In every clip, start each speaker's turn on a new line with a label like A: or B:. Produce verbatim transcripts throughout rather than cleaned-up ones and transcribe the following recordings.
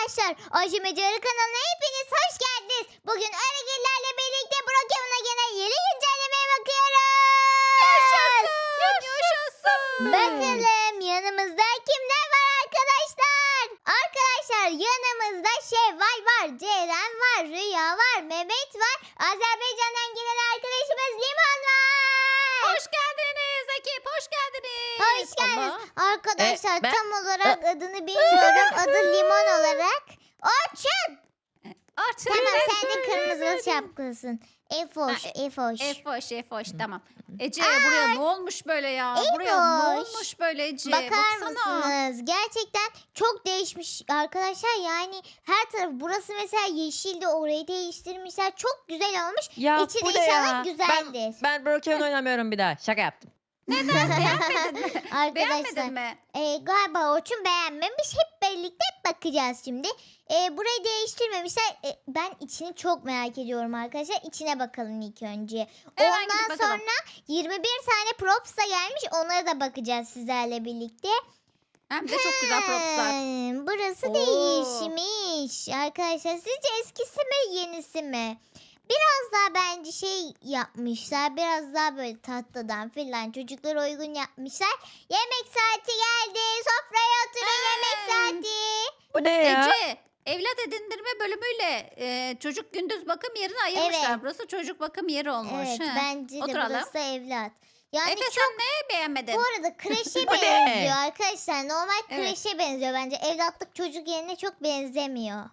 A: Arkadaşlar Aşımacıları kanalına hepiniz hoş geldiniz. Bugün Aragillerle birlikte Brokeman'a gelen yeni güncellemeye bakıyoruz.
B: Yaşasın. Yaşasın.
A: Bakalım yanımızda kimler var arkadaşlar? Arkadaşlar yanımızda Şevval var, Ceren var, Rüya var, Mehmet var. Azerbaycan'dan gelen arkadaşımız Limon var.
B: Hoş geldiniz ekip. Hoş geldiniz.
A: Hoş geldiniz.
B: Allah.
A: Arkadaşlar
C: E, ben-
A: tam olarak adını bilmiyorum. Adı Limon olarak. Orçun.
B: Artık.
A: Tamam sen de kırmızı şapkalısın. Efoş,
B: Ha,
A: Efoş.
B: Efoş efoş tamam. Ece buraya ne olmuş böyle ya? Buraya ne
A: Efoş.
B: olmuş böyle Ece?
A: Bakar
B: Baksana.
A: mısınız? Gerçekten çok değişmiş arkadaşlar. Yani her taraf burası mesela yeşildi, orayı değiştirmişler. Çok güzel olmuş.
C: Ya
A: İçi de
C: bu ne
A: inşallah
C: ya?
A: güzeldir.
C: Ben, ben Brokeman oynamıyorum bir daha. Şaka yaptım.
B: Beğenmedin mi?
A: Arkadaşlar
B: Beğenmedin mi?
A: e, galiba Orçun beğenmemiş. Hep birlikte bakacağız şimdi. E, burayı değiştirmemişler. E, ben içini çok merak ediyorum arkadaşlar. İçine bakalım ilk önce.
B: Hemen gidip
A: Ondan
B: bakalım.
A: sonra yirmi bir tane props da gelmiş. Onlara da bakacağız sizlerle birlikte.
B: Hem de çok güzel propslar.
A: Hmm, burası
B: Oo.
A: değişmiş. Arkadaşlar sizce eskisi mi yenisi mi? Biraz daha bence şey yapmışlar. Biraz daha böyle tatlıdan filan çocuklara uygun yapmışlar. Yemek saati geldi. Sofraya oturun yemek saati.
C: Bu ne ya?
B: Ece evlat edindirme bölümüyle e, çocuk gündüz bakım yerini ayırmışlar.
A: Evet.
B: Burası çocuk bakım yeri olmuş.
A: Evet
B: He.
A: bence de
B: Oturalım.
A: burası evlat. Yani
B: Efe
A: çok
B: sen neye beğenmedin?
A: bu arada kreşe
C: Bu ne?
A: benziyor arkadaşlar. Normal
B: Evet.
A: kreşe benziyor bence. Evlatlık çocuk yerine çok benzemiyor.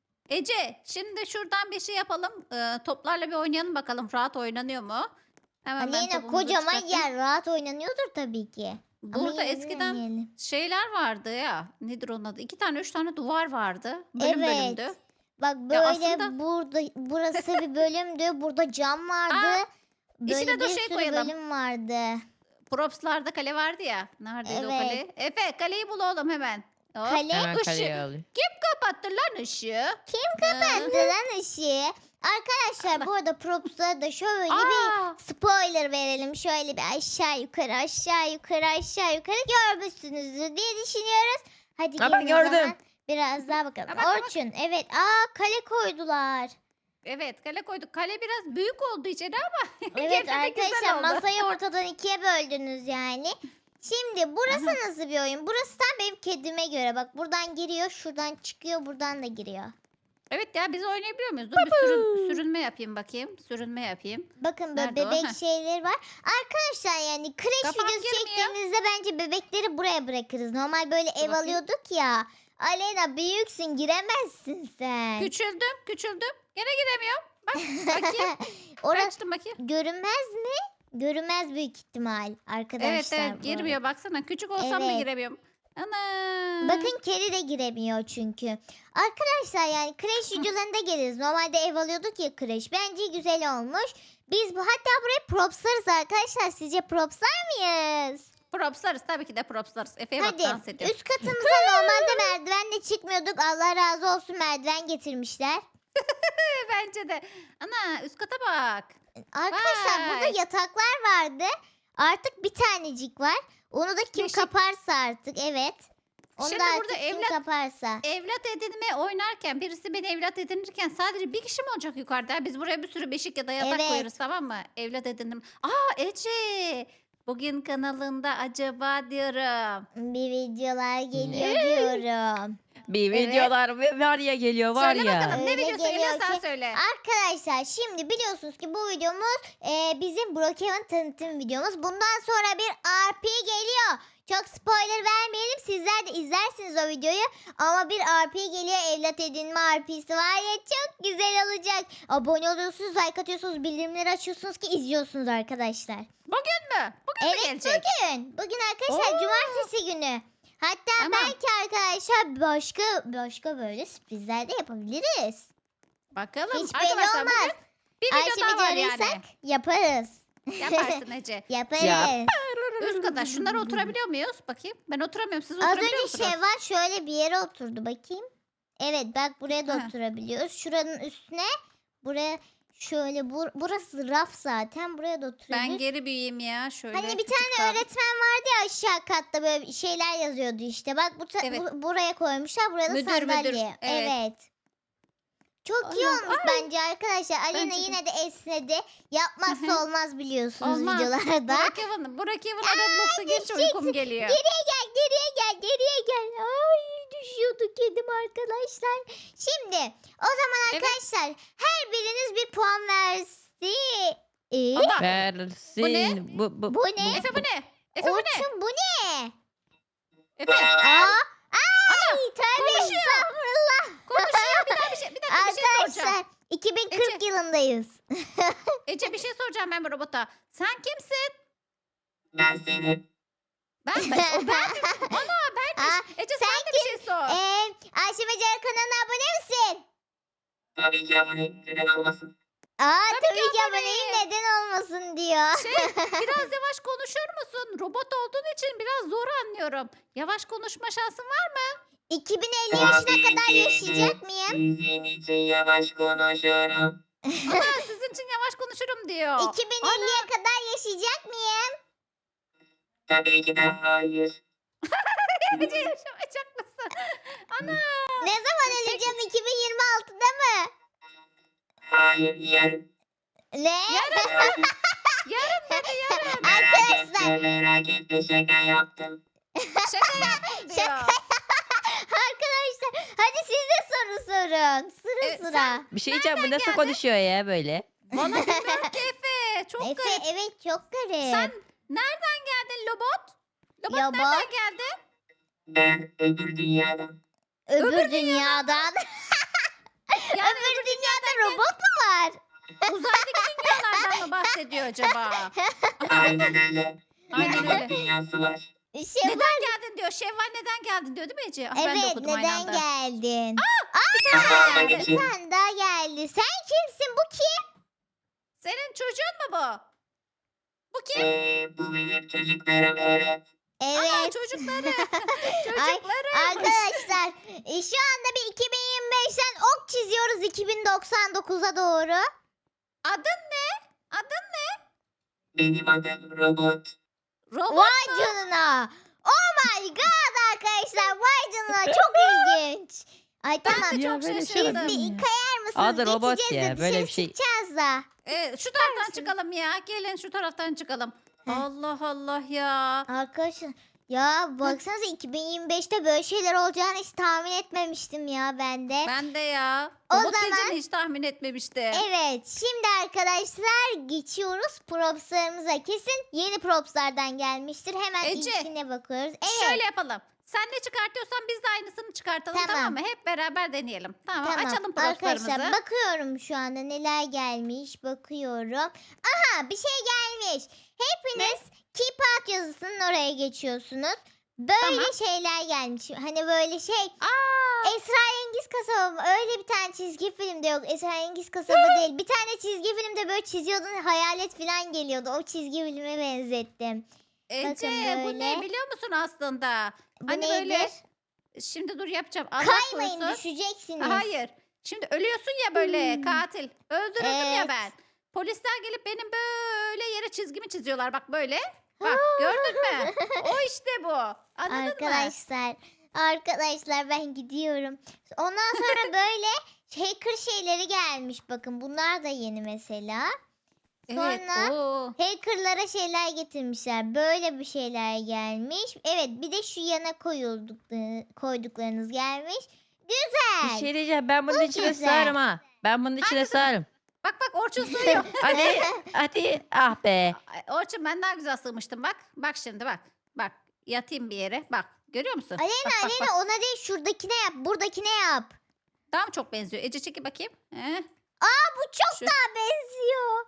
B: Ece şimdi şuradan bir şey yapalım. Ee, toplarla bir oynayalım bakalım. Rahat oynanıyor mu? Hemen ben
A: Aleyna
B: topumuzu
A: kocaman
B: çıkartayım.
A: yer rahat oynanıyordur tabii ki. Ama
B: Burada
A: yine de
B: eskiden
A: deneyelim.
B: şeyler vardı ya. Nedir onun adı? İki tane üç tane duvar vardı. Bölüm
A: Evet.
B: bölümdü.
A: Bak
B: Ya
A: böyle
B: aslında-
A: burada burası bir bölümdü. Burada cam vardı.
B: Aa,
A: Böyle
B: içine
A: bir
B: de şey
A: sürü
B: koyalım.
A: bölüm vardı.
B: Props'larda kale vardı ya. Neredeydi o kale? Efe kaleyi bul oğlum hemen. Hop.
A: Kale?
C: Hemen
B: Işığı-
C: kaleye alayım.
B: Kapattı lan ışığı.
A: Kim kapattı lan ışığı? Arkadaşlar bu arada props'a da şöyle bir
B: Aa,
A: spoiler verelim. Şöyle bir aşağı yukarı aşağı yukarı aşağı yukarı görmüşsünüzdür diye düşünüyoruz. Hadi
C: Ha,
A: gelin
C: ben
A: o
C: gördüm.
A: zaman biraz daha bakalım.
B: Ha, bak, bak.
A: Orçun evet aa kale koydular.
B: evet kale koyduk. Kale biraz büyük oldu içeri ama
A: Evet
B: gene de güzel
A: arkadaşlar
B: oldu.
A: masayı ortadan ikiye böldünüz yani. Şimdi burası
B: Aha.
A: nasıl bir oyun? Burası tam benim kedime göre. Bak buradan giriyor, şuradan çıkıyor, buradan da giriyor.
B: Evet ya biz oynayabiliyor muyuz? Dur bir sürün, sürünme yapayım bakayım. Sürünme yapayım.
A: Bakın böyle
B: Nerede o?
A: bebek
B: Heh.
A: şeyleri var. Arkadaşlar yani kreş
B: Kafam
A: videosu
B: girmiyor.
A: çektiğimizde bence bebekleri buraya bırakırız. Normal böyle ev
B: bakayım.
A: alıyorduk ya. Aleyna büyüksün giremezsin sen.
B: Küçüldüm, küçüldüm. Gene giremiyorum. Bak bakayım.
A: Orası
B: Açtım bakayım.
A: görünmez mi? Görünmez büyük ihtimal arkadaşlar.
B: Evet evet
A: bu
B: girmiyor baksana. Küçük olsam da
A: Evet.
B: giremiyorum. Ana.
A: Bakın kedi de giremiyor çünkü. Arkadaşlar yani kreş videolarında geliriz. Normalde ev alıyorduk ya kreş. Bence güzel olmuş. Biz bu hatta buraya propslarız arkadaşlar. Sizce propslar mıyız?
B: Propslarız tabii ki de propslarız. Efe'ye bak
A: Hadi
B: dans ediyor.
A: üst katımıza normalde merdivenle çıkmıyorduk. Allah razı olsun merdiven getirmişler.
B: Bence de. Ana üst kata bak.
A: Arkadaşlar burada
B: Vay.
A: yataklar vardı. Artık bir tanecik var. Onu da kim
B: Yeşil.
A: kaparsa artık evet. Onu
B: Şimdi
A: da artık
B: burada
A: kim
B: evlat-
A: kaparsa.
B: Evlat edinme oynarken birisi beni evlat edinirken sadece bir kişi mi olacak yukarıda? Biz buraya bir sürü beşik ya da yatak
A: Evet.
B: koyarız tamam mı? Evlat edindim. Aa Ece. Bugün kanalında acaba diyorum.
A: Bir videolar geliyor diyorum.
C: Bir
B: Evet.
C: videolar ve var ya geliyor var
B: Söyle
C: ya.
B: bakalım ne
A: Öyle
B: videosu
A: geliyor
B: Emre sen
A: ki-
B: söyle.
A: Arkadaşlar şimdi biliyorsunuz ki bu videomuz e, bizim Brokeman tanıtım videomuz. Bundan sonra bir R P geliyor. Çok spoiler vermeyelim. Sizler de izlersiniz o videoyu. Ama bir R P geliyor. Evlat edinme R P'si var ya çok güzel olacak. Abone oluyorsunuz, like atıyorsunuz, bildirimleri açıyorsunuz ki izliyorsunuz arkadaşlar.
B: Bugün mü? Bugün mü
A: Evet
B: gelecek?
A: bugün. Bugün arkadaşlar
B: Oo.
A: cumartesi günü. Hatta
B: Tamam.
A: belki arkadaşlar başka başka böyle sürprizler de yapabiliriz.
B: Bakalım.
A: Hiç belli
B: Arkadaşlar
A: olmaz.
B: bugün bir video
A: Ayşe
B: daha var
A: arıyorsak
B: yani.
A: yaparız.
B: Yaparsın Ece.
A: Yaparız.
C: Yap.
B: Üst kata şunlara oturabiliyor muyuz? Bakayım. Ben oturamıyorum. Siz
A: Az
B: oturabiliyor
A: önce
B: musunuz?
A: Şevval şöyle bir yere oturdu bakayım. Evet bak buraya da
B: Ha.
A: oturabiliyoruz. Şuranın üstüne buraya Şöyle bur burası raf zaten. Buraya da
B: Ben
A: oturabiliriz.
B: geri büyüyeyim ya. Şöyle
A: Hani bir
B: küçük
A: tane
B: kaldım.
A: öğretmen vardı ya aşağı katta böyle şeyler yazıyordu işte. Bak bu, ta-
B: Evet.
A: bu- buraya koymuşlar. Buraya da
B: Müdür, müdür.
A: sandalye.
B: Evet.
A: Evet. Çok iyi
B: Allah,
A: olmuş bence arkadaşlar. Alena
B: Bence de.
A: yine de esnedi. Yapmazsa olmaz biliyorsunuz
B: Olmaz.
A: videolarda.
B: Burak Evan, Burak Evan'a Roblox'a gelince uykum geliyor.
A: Geriye gel, geriye gel, geriye gel. Ay düşüyordu kedim arkadaşlar. Şimdi o zaman
B: Evet.
A: arkadaşlar her biriniz bir puan versin. Ee,
B: Allah.
C: Versin.
B: Bu ne?
C: Bu, bu,
A: Bu ne?
B: Efe bu ne? Efe bu ne?
A: Orçun bu ne?
B: Efe.
A: Aa, ay tövbe
B: konuşuyor.
A: estağfurullah.
B: Konuşuyor. Bir daha bir şey, bir dakika bir şey soracağım.
A: Arkadaşlar iki bin kırk
B: Ece.
A: yılındayız.
B: Ece bir şey soracağım ben bu robota. Sen kimsin?
D: Ben senin.
B: Ben, ben o ben. Ana benmiş.
A: Aa,
B: Ece
A: sen
B: sen, de bir şey sor.
A: Ee, Ayşe Becer kanalına abone misin?
D: Tabii ki abone neden olmasın.
A: Aa
B: Tabii
A: tabii,
B: ki
A: ki aboneyim, neden olmasın diyor.
B: Şey biraz yavaş konuşur musun? Robot olduğun için biraz zor anlıyorum. Yavaş konuşma şansın var mı?
A: iki bin elli yaşına kadar yaşayacak mıyım?
D: Sizin için yavaş konuşuyorum.
B: Ana sizin için yavaş konuşurum diyor.
A: iki bin elliye kadar yaşayacak mıyım?
D: Tabii ki de hayır.
B: Ece yaşamayacak mısın? Ana.
A: Ne zaman öleceğim? iki bin yirmi altıda mı?
D: Hayır yarın.
A: Ne?
D: Yarın.
B: Yarın dedi yarın.
D: Merak
A: Arkadaşlar.
D: etme merak etme şaka yaptım.
B: Şaka yaptım diyor.
A: Arkadaşlar hadi siz de soru sorun. Sıra
B: Evet,
A: sıra.
C: bir şey diyeceğim. Bu
B: Nereden
C: nasıl
B: geldi?
C: konuşuyor ya böyle?
B: Bana bilmiyorum ki Efe. Çok
A: Efe
B: garip.
A: evet çok garip.
B: Sen nereden geldin Lobot? Lobot
A: Lobot.
B: nereden geldi?
D: Ben öbür dünyadan.
A: Öbür,
B: öbür
A: dünyadan.
B: Yani
A: öbür dünyada robot mu var?
B: uzaydaki dünyalardan mı bahsediyor acaba?
D: Aynen öyle.
B: Aynen
D: Bir
B: öyle.
D: robot dünyası var.
A: Şey
B: Neden
A: var.
B: geldin diyor. Şevval neden geldin diyor değil mi Ece? Ah, ben de
A: Evet
B: okudum aynı
A: neden
B: anda.
A: geldin?
B: Bir tane daha
D: Kafama
B: geldi.
D: için.
A: Sen daha geldi. Sen kimsin? Bu kim?
B: Senin çocuğun mu bu? Bu kim?
D: Ee, bu benim çocuklarım evet.
B: Ana
A: Evet.
B: çocukları.
A: Ay,
B: Çocukları.
A: arkadaşlar e, şu anda bir iki bin yirmi beşten ok çiziyoruz iki bin doksan dokuza doğru.
B: Adın ne? Adın
D: Benim adım robot.
B: Robot
A: Vay
B: mu?
A: canına. Oh my god arkadaşlar. Vay canına. Çok ilginç. Ay
B: Ben
A: tamam.
B: de
C: Ya
B: çok
C: böyle şey
B: şaşırdım.
C: olabilir mi
A: Bir
C: ya?
A: kayar mısınız?
C: Adı robot
A: Geçeceğiz
C: ya,
A: de
C: böyle
A: dışarı
C: bir şey-
A: çıkacağız da.
B: Ee, şu taraftan
A: mısınız?
B: çıkalım ya. Gelin şu taraftan çıkalım.
A: Heh.
B: Allah Allah ya.
A: Arkadaşlar ya baksanıza iki bin yirmi beşte böyle şeyler olacağını hiç tahmin etmemiştim ya ben de.
B: Ben de ya.
A: O
B: Robot
A: zaman-
B: diyeceğini hiç tahmin etmemiştim.
A: Evet şimdi arkadaşlar geçiyoruz propslarımıza. Kesin yeni propslardan gelmiştir. Hemen
B: Ece,
A: ilkine bakıyoruz. Evet.
B: Şöyle yapalım. Sen ne çıkartıyorsan biz de aynısını çıkartalım tamam,
A: Tamam.
B: mı? Hep beraber deneyelim. Tamam,
A: Tamam.
B: açalım propslarımızı.
A: Arkadaşlar bakıyorum şu anda neler gelmiş bakıyorum. Aha bir şey gelmiş. Hepiniz keep out yazısının oraya geçiyorsunuz. Böyle
B: Tamam.
A: şeyler gelmiş. Hani böyle şey
B: Aa,
A: Esrarengiz Kasaba mı? Öyle bir tane çizgi filmde yok. Esrarengiz Kasaba değil. Bir tane çizgi filmde böyle çiziyordun hayalet falan geliyordu. O çizgi filme benzettim.
B: Ece
A: bakın
B: bu
A: böyle.
B: ne biliyor musun aslında?
A: Bu
B: Hani
A: nedir?
B: böyle şimdi dur yapacağım. Allah
A: Kaymayın
B: korusun.
A: düşeceksiniz.
B: Hayır. Şimdi ölüyorsun ya böyle
A: Hmm.
B: katil. Öldürüldüm ya
A: Evet.
B: ben. Polisler gelip benim böyle yere çizgimi çiziyorlar. Bak böyle. Bak gördün mü? O işte bu. Anladın mı?
A: Arkadaşlar, arkadaşlar ben gidiyorum. Ondan sonra böyle hacker şeyleri gelmiş. Bakın bunlar da yeni mesela.
B: Evet.
A: Sonra-
B: Oo.
A: Hackerlara şeyler getirmişler. Böyle bir şeyler gelmiş. Evet bir de şu yana koyulduk, koyduklarınız gelmiş.
C: Bir
A: Güzel.
C: şey diyeceğim. Ben bunun
A: Bu
C: içine
A: güzel.
C: sığarım ha. Ben bunun içine
B: Hangisi?
C: sığarım.
B: Bak bak Orçun sığıyor.
C: Hadi. Hadi. Ah be.
B: Ay, Orçun ben daha güzel sığmıştım bak. Bak şimdi bak. Bak yatayım bir yere. Bak görüyor musun?
A: Aleyna
B: bak, bak,
A: Aleyna
B: bak.
A: ona değil şuradakine yap. Buradakine yap.
B: Daha mı çok benziyor? Ece çeki bakayım. Heh.
A: Bu çok
B: Şu-
A: daha benziyor.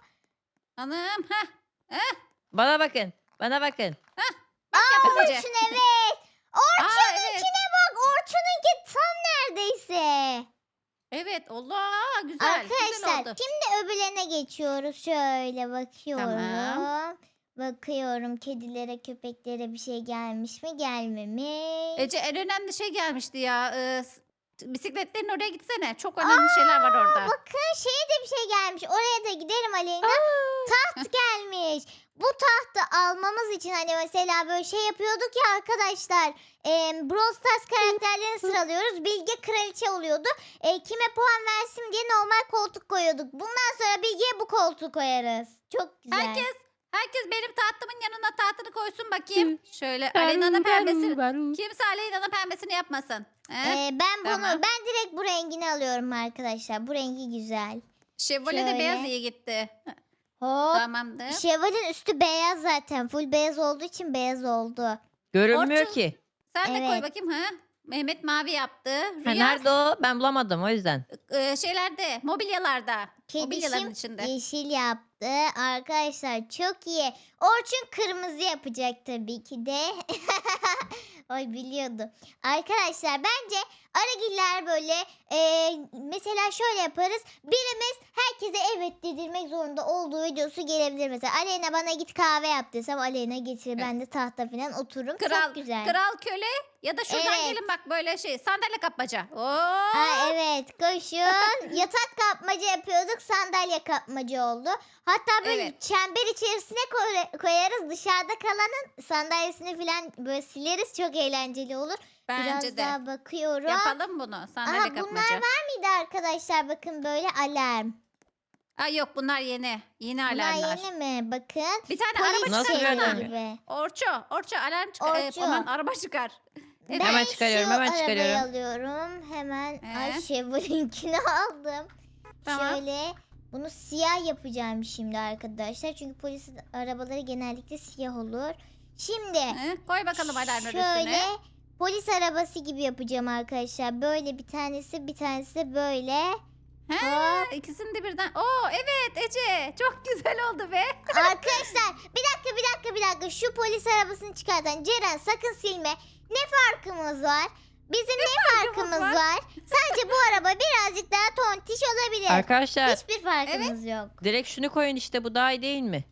B: Anam. Heh.
C: Bana bakın. Bana bakın.
B: Bak yap Ece.
A: Orçun evet.
B: Aa,
A: Orçun'un
B: evet.
A: içine bak. Orçun'unki tam neredeyse.
B: Evet Allah güzel. Güzel
A: Arkadaşlar
B: oldu.
A: şimdi öbürlerine geçiyoruz. Şöyle bakıyorum.
B: Tamam.
A: Bakıyorum kedilere köpeklere bir şey gelmiş mi gelmemiş.
B: Ece en önemli şey gelmişti ya. Ee, s- bisikletlerin oraya gitsene. Çok önemli şeyler var orada.
A: Bakın şeye de bir şey gelmiş. Oraya da gidelim Aleyna. Taht gelmiş. Bu tahtı almamız için hani mesela böyle şey yapıyorduk ya arkadaşlar. E, Brawl Stars karakterlerini sıralıyoruz. Bilge kraliçe oluyordu. E, kime puan versin diye normal koltuk koyuyorduk. Bundan sonra Bilge'ye bu koltuğu koyarız. Çok güzel.
B: Herkes herkes benim tahtımın yanına tahtını koysun bakayım. Şöyle Aleyna'nın pembesini. Kimse Aleyna'nın pembesini yapmasın. He?
A: E, ben bunu
B: Tamam.
A: ben direkt bu rengini alıyorum arkadaşlar. Bu rengi güzel.
B: Şevval'e de
A: şöyle.
B: beyaz iyi gitti.
A: Hop.
B: Tamamdır.
A: Şevval'in üstü beyaz zaten. Full beyaz olduğu için beyaz oldu.
C: Görünmüyor
B: Orçun.
C: ki.
B: Sen de koy
A: Evet.
B: bakayım ha. Mehmet mavi yaptı.
C: Ha,
B: Rüya
C: nerede o? Ben bulamadım o yüzden.
B: e, şeylerde, mobilyalarda. Mobilyaların
A: Kedişim
B: içinde.
A: yeşil yaptı. Arkadaşlar çok iyi. Orçun kırmızı yapacak tabii ki de. Oy biliyordu. Arkadaşlar bence Aragiller böyle e, mesela şöyle yaparız. Birimiz herkese evet dedirmek zorunda olduğu videosu gelebilir. Mesela Aleyna bana git kahve yap desem Aleyna getirir. Ben de tahta falan otururum.
B: Kral,
A: çok güzel.
B: kral köle ya da şuradan
A: Evet.
B: gelin bak böyle şey sandalye kapmaca. Oo.
A: Aa, evet koşun. Yatak kapmaca yapıyorduk, sandalye kapmaca oldu. Hatta böyle
B: Evet.
A: çember içerisine koy- koyarız, dışarıda kalanın sandalyesini falan böyle sileriz, çok eğlenceli olur.
B: Bence
A: Biraz
B: de.
A: daha bakıyorum.
B: Yapalım bunu sandalye
A: Aha, bunlar
B: kapmaca.
A: var mıydı arkadaşlar, bakın böyle alarm.
B: Aa, yok bunlar yeni. Yeni
A: Bunlar
B: alarmlar.
A: yeni mi? Bakın.
B: Bir tane
A: Polis
B: araba
C: Nasıl
A: şeridi
B: çıkarsana.
C: yani?
A: gibi.
B: Orço, Orço alarm çıkar. E,
A: Orço.
B: aman araba çıkar. Evet.
A: Ben
C: Hemen çıkarıyorum,
A: şu
C: hemen
A: arabayı
C: çıkarıyorum.
A: alıyorum. Hemen
B: Ee?
A: ay Chevrolet'inkini aldım.
B: Tamam.
A: Şöyle bunu siyah yapacağım şimdi arkadaşlar. Çünkü polis arabaları genellikle siyah olur. Şimdi
B: He, koy bakalım alarmın
A: şöyle
B: üstüne.
A: polis arabası gibi yapacağım arkadaşlar. Böyle bir tanesi, bir tanesi de böyle.
B: He,
A: Hop.
B: ikisini de birden. Oo evet Ece. Çok güzel oldu be.
A: Arkadaşlar bir dakika bir dakika bir dakika. Şu polis arabasını çıkartan Ceren sakın silme. Ne farkımız var? Bizim ne,
B: farkımız
A: farkımız
B: var?
A: var? Sadece bu araba birazcık daha tontiş olabilir.
C: Arkadaşlar
A: Hiçbir farkımız yok.
C: direkt şunu koyun işte, bu daha iyi değil mi?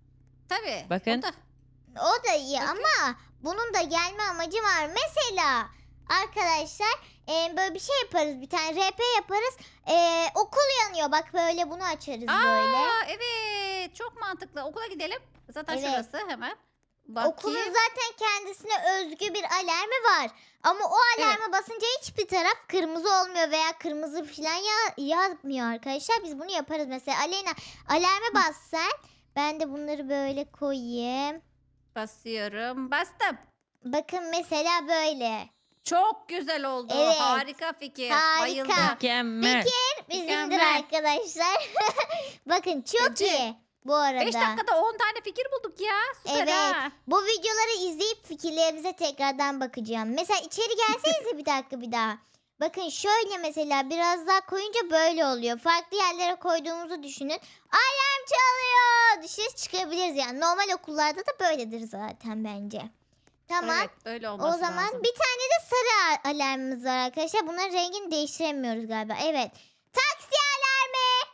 B: Tabii.
C: Bakın.
B: O da.
A: O da iyi
B: Bakın.
A: ama bunun da gelme amacı var. Mesela arkadaşlar e, böyle bir şey yaparız. Bir tane R P yaparız. E, okul yanıyor. Bak böyle bunu açarız böyle.
B: Aa evet. Çok mantıklı. Okula gidelim. Zaten
A: Evet.
B: şurası hemen. Bakayım.
A: Okulun zaten kendisine özgü bir alarmı var. Ama o alarma basınca hiçbir taraf kırmızı olmuyor veya kırmızı falan ya yazmıyor arkadaşlar. Biz bunu yaparız mesela. Aleyna alarma bas sen. Ben de bunları böyle koyayım.
B: Basıyorum. Bastım.
A: Bakın mesela böyle.
B: Çok güzel oldu.
A: Evet.
B: Harika fikir.
A: Harika.
B: Bayıldım.
C: Mükemmel.
A: Bizimdir
B: Mükemmel.
A: arkadaşlar. Bakın çok
B: Ece,
A: iyi bu arada.
B: beş dakikada on tane fikir bulduk ya. Süper
A: Evet.
B: ha.
A: Bu videoları izleyip fikirlerimize tekrardan bakacağım. Mesela içeri gelsenize bir dakika bir daha. Bakın şöyle mesela biraz daha koyunca böyle oluyor. Farklı yerlere koyduğumuzu düşünün. Alarm çalıyor. Dışarı çıkabiliriz yani. Normal okullarda da böyledir zaten bence. Tamam.
B: Evet öyle
A: O
B: olması
A: zaman
B: lazım.
A: bir tane de sarı a- alarmımız var arkadaşlar. Bunların rengini değiştiremiyoruz galiba. Evet. Taksi alarmı.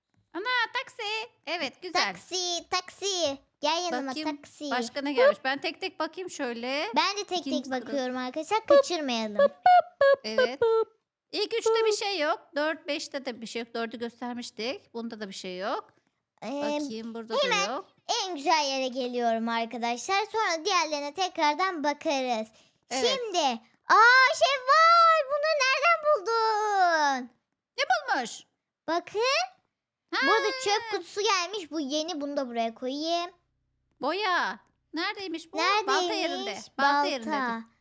B: Ana taksi. Evet güzel.
A: Taksi, taksi. Gel yanıma
B: Bakayım,
A: taksi.
B: Başka ne gelmiş? Ben tek tek bakayım şöyle.
A: Ben de tek
B: İkinci
A: tek
B: sırada.
A: bakıyorum arkadaşlar. Kaçırmayalım.
B: Evet. İlk üçte bir şey yok. Dört, beşte de bir şey yok. Dördü göstermiştik. Bunda da bir şey yok.
A: Ee,
B: Bakayım burada
A: hemen
B: da yok.
A: en güzel yere geliyorum arkadaşlar. Sonra diğerlerine tekrardan bakarız.
B: Evet.
A: Şimdi. Aa Şevval. Bunları nereden buldun?
B: Bulmuş.
A: Bakın.
B: Ha,
A: Burada çöp kutusu gelmiş. Bu yeni. Bunu da buraya koyayım.
B: boya. Neredeymiş bu?
A: Neredeymiş?
B: Balta yerinde. Balta, yerinde.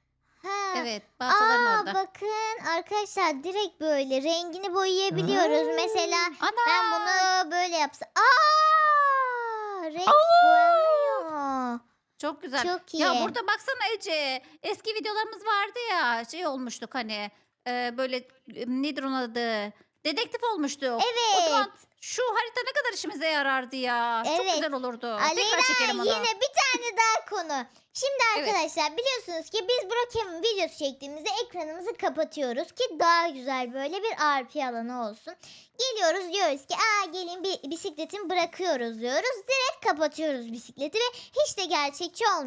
A: Ha.
B: Evet. Baltaların
A: Aa,
B: orada.
A: bakın arkadaşlar direkt böyle rengini boyayabiliyoruz. Mesela
B: Ana.
A: ben bunu böyle yapsam. Aa, renk boyanıyor.
B: Çok güzel.
A: Çok iyi.
B: Ya burada baksana Ece. Eski videolarımız vardı ya. Şey olmuştuk hani. e, böyle e, nedir onun adı? Dedektif olmuştuk. O
A: Evet.
B: zaman şu harita ne kadar işimize yarardı ya. Çok
A: Evet.
B: güzel olurdu.
A: Aleyna
B: Tekrar çekelim onu.
A: yine bir tane daha konu. Şimdi
B: Evet.
A: arkadaşlar biliyorsunuz ki biz Brokeman videosu çektiğimizde ekranımızı kapatıyoruz ki daha güzel böyle bir R P alanı olsun. Geliyoruz diyoruz ki aa gelin bir bisikletimi bırakıyoruz diyoruz. Direkt kapatıyoruz bisikleti ve hiç de gerçekçi olmuyor.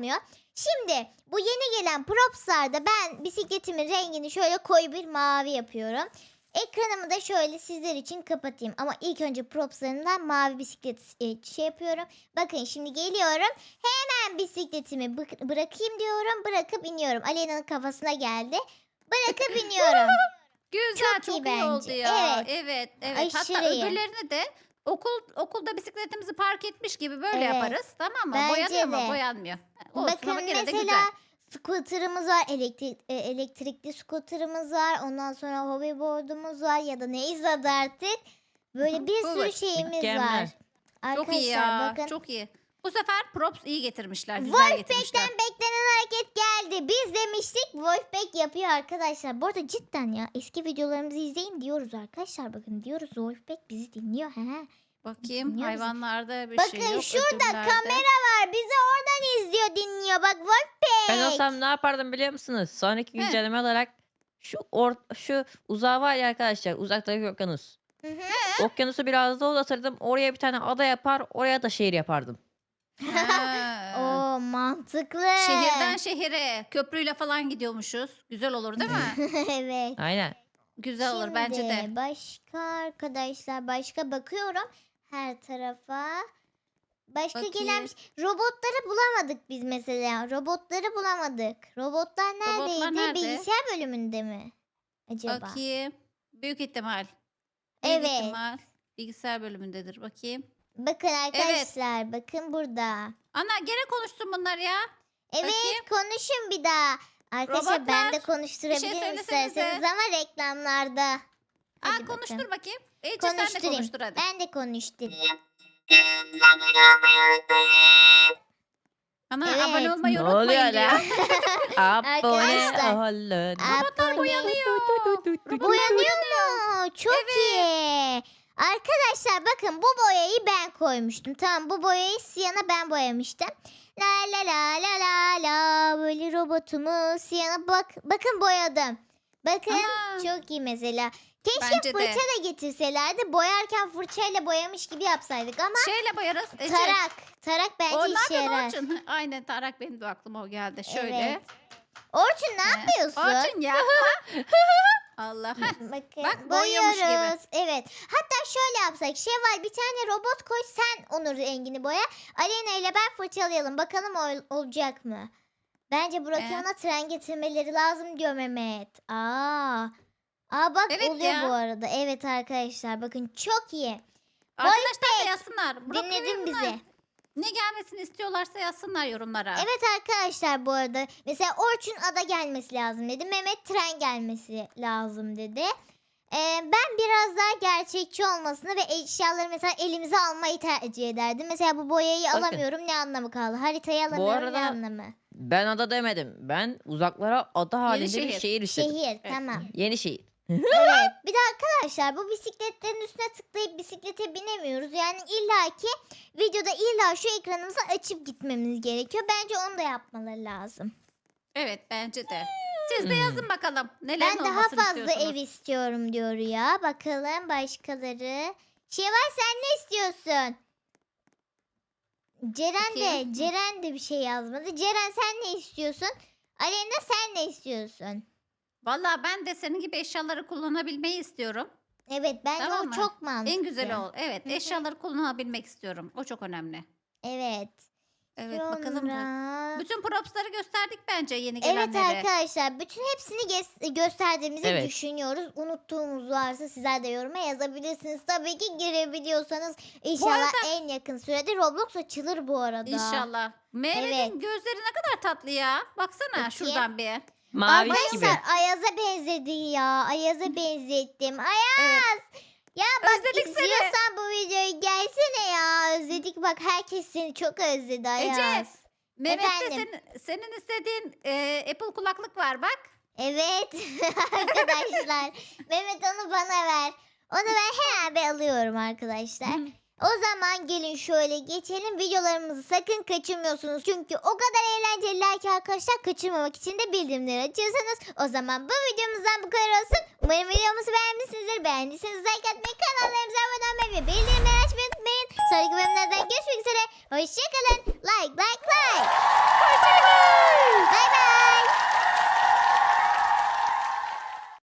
A: Şimdi bu yeni gelen propslarda ben bisikletimin rengini şöyle koyu bir mavi yapıyorum. Ekranımı da şöyle sizler için kapatayım. Ama ilk önce propslarından mavi bisiklet e, şey yapıyorum. Bakın şimdi geliyorum. Hemen bisikletimi bı- bırakayım diyorum. Bırakıp iniyorum. Aleyna'nın kafasına geldi. Bırakıp iniyorum.
B: Güzel,
A: Çok
B: çok,
A: iyi
B: iyi,
A: bence.
B: oldu ya.
A: Evet.
B: Evet, evet.
A: Aşırı
B: Hatta
A: iyi.
B: öbürlerini de okul okulda bisikletimizi park etmiş gibi böyle
A: Evet.
B: yaparız. Tamam mı?
A: Bence
B: Boyanıyor mu?
A: de.
B: Boyanmıyor. Olsun
A: Bakın
B: ama gene de
A: mesela
B: güzel.
A: scooter'ımız var. Elektrik, e, elektrikli scooter'ımız var. Ondan sonra hoverboard'umuz var. Ya da neyse adı artık. Böyle bir sürü
B: Hover.
A: şeyimiz var.
C: Mükemmel.
B: Çok iyi
A: Arkadaşlar
B: ya.
A: bakın.
B: Çok iyi. Bu sefer props iyi getirmişler. Güzel
A: Wolfpack'ten
B: getirmişler.
A: beklenen hareket geldi. Biz demiştik Wolfpack yapıyor arkadaşlar. Bu arada cidden ya eski videolarımızı izleyin diyoruz arkadaşlar. Bakın diyoruz Wolfpack bizi dinliyor. He.
B: Bakayım
A: Dinliyor bizi.
B: hayvanlarda bir
A: Bakın
B: şey yok.
A: şurada
B: ödüllerde.
A: kamera var. Bizi oradan izliyor dinliyor. Bak Wolfpack.
C: Ben olsam ne yapardım biliyor musunuz? Sonraki
B: Heh.
C: güncelleme olarak şu or şu uzağı var ya arkadaşlar. Uzaktaki okyanus.
A: Hı hı.
C: Okyanusu biraz da uzatırdım. Oraya bir tane ada yapar. Oraya da şehir yapardım.
B: Ha.
A: Oo mantıklı.
B: Şehirden şehire köprüyle falan gidiyormuşuz. Güzel olur değil mi?
A: Evet.
C: Aynen.
B: Güzel olur bence de.
A: Şimdi başka arkadaşlar başka bakıyorum her tarafa. Başka
B: Bakayım.
A: gelen bir şey- robotları bulamadık biz mesela. Robotları bulamadık. Robotlar neredeydi?
B: nerede?
A: Bilgisayar bölümünde mi? Acaba.
B: Bakayım. Büyük ihtimal. Büyük
A: Evet.
B: ihtimal bilgisayar bölümündedir. Bakayım.
A: Bakın arkadaşlar bakın burada.
B: Ana gene konuştun bunlar ya.
A: Evet
B: Bakayım.
A: konuşun bir daha. Arkadaşlar ben de
B: Robotlar,
A: konuşturabilirim
B: söylesenize.
A: isterseniz ama reklamlarda.
B: Aa,
A: Hadi
B: konuştur
A: bakalım.
B: bakayım. Ece sen de
A: Konuşturayım.
B: konuştur hadi.
A: Ben de konuştum.
B: Ana
A: Evet.
B: abone olmayı
C: Ne
B: unutmayın
C: oluyor
B: diyor.
C: lan? Abone
A: Arkadaşlar.
C: olun.
B: Robotlar
A: Abone-
B: boyanıyor. Robotlar
A: Boyanıyor mu? Çok iyi. Arkadaşlar bakın bu boyayı ben koymuştum. Tamam bu boyayı Siyana ben boyamıştım. La la la la la la böyle robotumu Siyana bak bakın boyadım. Bakın
B: Ana,
A: çok iyi mesela. Keşke
B: Bence de.
A: fırça da getirselerdi. Boyarken fırçayla boyamış gibi yapsaydık ama
B: şeyle boyarız. Ece.
A: tarak. Tarak bence
B: O ne
A: işe
B: yapıyorsun
A: yarar.
B: Orçun? Aynen Tarak benim de aklıma o geldi. Şöyle.
A: Evet. Orçun ne
B: He.
A: yapıyorsun?
B: Orçun ya. Allah. Heh.
A: Bakın
B: Bak, boyuyormuş gibi.
A: boyuyoruz. Evet. Hatta şöyle yapsak. Şevval bir tane robot koy sen onun rengini boya. Aleyna ile ben fırçalayalım. Bakalım ol- olacak mı? Bence Burak
B: Ee?
A: ona tren getirmeleri lazım diyor Mehmet. Aa. Aa bak
B: Evet
A: oluyor
B: ya.
A: bu arada. Evet arkadaşlar bakın çok iyi.
B: Arkadaşlar da yazsınlar. Burak
A: Dinledin
B: Bey'in
A: bizi.
B: Ne gelmesini istiyorlarsa yazsınlar yorumlara.
A: Evet arkadaşlar bu arada mesela Orçun ada gelmesi lazım dedi. Mehmet tren gelmesi lazım dedi. Ee, ben biraz daha gerçekçi olmasını ve eşyaları mesela elimize almayı tercih ederdim. Mesela bu boyayı
C: Bakın.
A: alamıyorum ne anlamı kaldı? Haritayı alamıyorum ne
C: arada
A: anlamı?
C: Ben ada demedim. Ben uzaklara ada halinde
B: şehir.
C: bir şehir istedim.
A: Şehir tamam.
C: Yeni şehir.
A: Evet bir de arkadaşlar bu bisikletlerin üstüne tıklayıp bisiklete binemiyoruz. Yani illaki videoda illa şu ekranımızı açıp gitmemiz gerekiyor. Bence onu da yapmaları lazım.
B: Evet bence de. Siz de
C: Hmm.
B: yazın bakalım. Neler
A: Ben daha
B: olmasını
A: fazla
B: istiyorsunuz.
A: ev istiyorum diyor ya. Bakalım başkaları. Şevval sen ne istiyorsun? Ceren de,
B: Bakayım.
A: Ceren de bir şey yazmadı. Ceren sen ne istiyorsun? Aleyna sen ne istiyorsun?
B: Valla ben de senin gibi eşyaları kullanabilmeyi istiyorum.
A: Evet bence
B: Tamam
A: o
B: mı?
A: çok mantıklı.
B: En güzeli o. Evet
A: Hı hı.
B: eşyaları kullanabilmek istiyorum. O çok önemli.
A: Evet.
B: Evet bakalım. da.
A: Sonra-
B: Bütün propsları gösterdik bence yeni
A: Evet
B: gelenlere.
A: arkadaşlar bütün hepsini ges- gösterdiğimizi
C: Evet.
A: düşünüyoruz. Unuttuğumuz varsa sizler de yoruma yazabilirsiniz. Tabii ki girebiliyorsanız inşallah
B: arada-
A: en yakın sürede Roblox açılır bu arada.
B: İnşallah. Mehmet'in
A: Evet.
B: gözleri ne kadar tatlı ya. Baksana
A: Bakayım.
B: şuradan bir.
C: Mavi gibi.
A: Arkadaşlar Ayaz'a benzedi ya. Ayaz'a benzettim. Ayaz.
B: Evet.
A: Ya bak
B: Özledik seni.
A: izliyorsan bu videoyu gelsene ya. Özledik bak herkes seni çok özledi Ayaz.
B: Mehmet'te
A: Efendim?
B: senin, senin istediğin e, Apple kulaklık var bak.
A: Evet arkadaşlar. Mehmet onu bana ver. Onu ben hemen alıyorum arkadaşlar. O zaman gelin şöyle geçelim. Videolarımızı sakın kaçırmıyorsunuz. Çünkü o kadar eğlenceliler ki arkadaşlar kaçırmamak için de bildirimleri açıyorsanız. O zaman bu videomuzdan bu kadar olsun. Umarım videomuzu beğenmişsinizdir. Beğendiyseniz like atmayı, kanallarımıza abone olmayı ve bildirimleri açmayı unutmayın. Sonraki bölümlerden görüşmek üzere. Hoşçakalın.